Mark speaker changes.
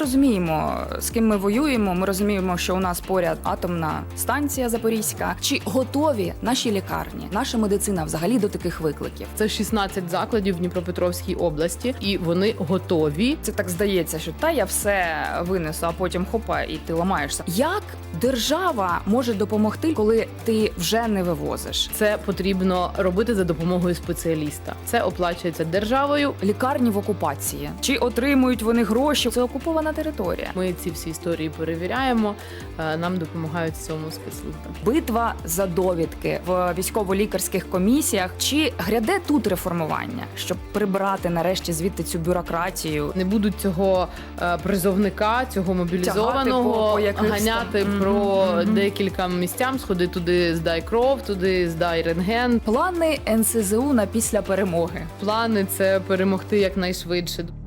Speaker 1: розуміємо, з ким ми воюємо, ми розуміємо, що у нас поряд атомна станція Запорізька. Чи готові наші лікарні, наша медицина взагалі до таких викликів?
Speaker 2: Це 16 закладів в Дніпропетровській області, і вони готові.
Speaker 1: Це так здається, що я все винесу, а потім хопа, і ти ламаєшся. Як держава може допомогти, коли ти вже не вивозиш?
Speaker 2: Це потрібно робити за допомогою спеціаліста. Це оплачується державою.
Speaker 1: Лікарні в окупації. Чи отримують вони гроші? Це окупована територія.
Speaker 2: Ми ці всі історії перевіряємо, нам допомагають в цьому спецслужби.
Speaker 1: Битва за довідки в військово-лікарських комісіях. Чи гряде тут реформування, щоб прибрати нарешті звідти цю бюрократію?
Speaker 2: Не будуть цього призовника, цього мобілізованого
Speaker 1: по якихось
Speaker 2: ганяти
Speaker 1: там.
Speaker 2: про декілька місцям, сходи туди, здай кров, туди здай рентген.
Speaker 1: Плани НСЗУ на після перемоги.
Speaker 2: Плани – це перемогти якнайшвидше.